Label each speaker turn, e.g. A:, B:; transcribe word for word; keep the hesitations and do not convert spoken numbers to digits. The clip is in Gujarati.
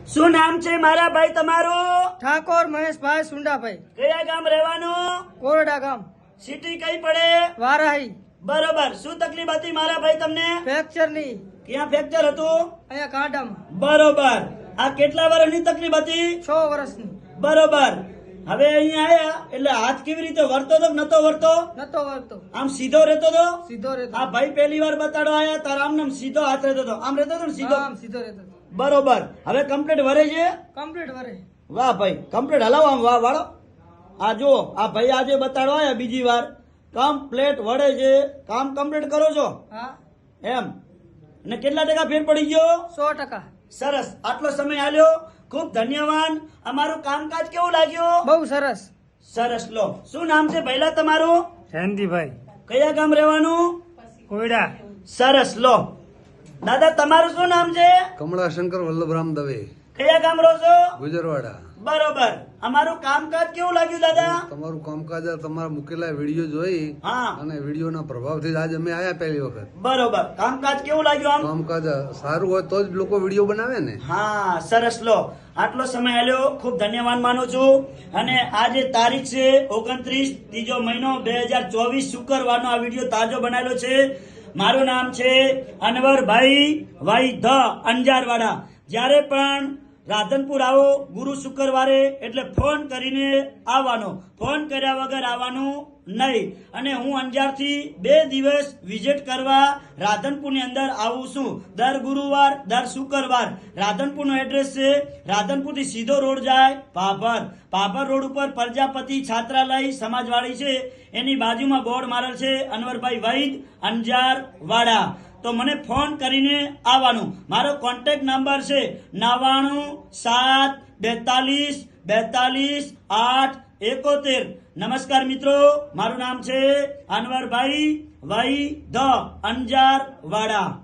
A: શું નામ છે મારા ભાઈ તમારું?
B: ઠાકોર મહેશભાઈ સુંડાભાઈ.
A: કયા ગામ રહેવાનું?
B: કોરડા ગામ.
A: સિટી કઈ પડે?
B: વારાહી.
A: બરોબર. શું તકલીફ હતી મારા ભાઈ તમને?
B: ફ્રેક્ચર ની.
A: ક્યાં ફ્રેક્ચર હતું?
B: અહીંયા કાંડામાં.
A: બરોબર. આ કેટલા વર્ષની તકલીફ હતી?
B: છ વર્ષની.
A: બરોબર. હવે અહીંયા આયા એટલે હાથ કેવી રીતે વર્તો તો નતો વર્તો?
B: નતો વળતો.
A: આમ સીધો રહેતો તો?
B: સીધો રહેતો.
A: આ ભાઈ પહેલી વાર બતાડો આયા તારા આમ નામ સીધો હાથ રહેતો તો, આમ રહેતો તો ને સીધો.
B: આમ સીધો રહેતો.
A: બરોબર. હવે કમ્પ્લીટ વરે છે?
B: કમ્પ્લીટ વરે.
A: વાહ ભાઈ, કમ્પ્લીટ હલાવો આમ, વાહ વાળો. આ જો આ ભાઈ આજે બતાડવા આયા બીજી વાર, કમ્પ્લીટ વળે છે, કામ કમ્પ્લીટ કરો છો
B: હા
A: એમ. અને કેટલા ટકા ફેર પડી ગયો?
B: સો ટકા.
A: સરસ. આટલો સમય આલ્યો, ખૂબ ધન્યવાદ. અમારું કામકાજ કેવું લાગ્યું?
B: બહુ સરસ.
A: સરસ. લો, શું નામ છે પહેલા તમારું?
B: જયંતિભાઈ.
A: કયા ગામ રહેવાનું?
B: કોયડા.
A: સરસ. લો દાદા, તમારું શું નામ છે?
C: કમળાશંકર વલ્લભરામ દવે,
A: કયા ગામ રહો છો?
C: ગુજરવાડા.
A: બરોબર. અમારું કામકાજ કેવું લાગ્યું દાદા?
C: તમારું કામકાજ આ તમારા મૂકેલા વિડીયો જોઈ
A: હા.
C: અને વિડીયોના પ્રભાવથી આજ અમે આયા પહેલી વખત.
A: બરોબર. કામકાજ કેવું લાગ્યું આમ?
C: કામકાજ સારું હોય તો જ લોકો વિડીયો બનાવે ને.
A: હા, સરસ. લો, આટલો સમય આલ્યો, ખૂબ ધન્યવાદ માનું છું. અને આજે તારીખ છે ઓગણત્રીસ ત્રીજો મહિનો બે હજાર ચોવીસ શુક્રવારનો આ વિડીયો તાજો બનાવેલો છે. મારું નામ છે અનવરભાઈ વાઈ ધ અંજારવાડા. જ્યારે પણ રાધનપુર આવો ગુરુ શુક્રવારે એટલે ફોન કરીને આવવાનો, ફોન કર્યા વગર આવવાનું નહીં. અને હું અંજારથી બે દિવસ વિઝિટ કરવા રાધનપુરની અંદર આવું છું, દર ગુરુવાર દર શુક્રવાર. રાધનપુરનો એડ્રેસ છે, રાધનપુરથી સીધો રોડ જાય ભાભર. ભાભર રોડ ઉપર પ્રજાપતિ છાત્રાલય સમાજવાડી છે, એની બાજુમાં બોર્ડ મારેલ છે અનવરભાઈ વૈદ અંજારવાડા. તો મને ફોન કરીને આવવાનું. મારો કોન્ટેક્ટ નંબર છે નવાણું સાત બેતાલીસ બેતાલીસ આઠ એકોતેર. નમસ્કાર મિત્રો, મારું નામ છે અનવરભાઈ વૈદ અંજારવાડા.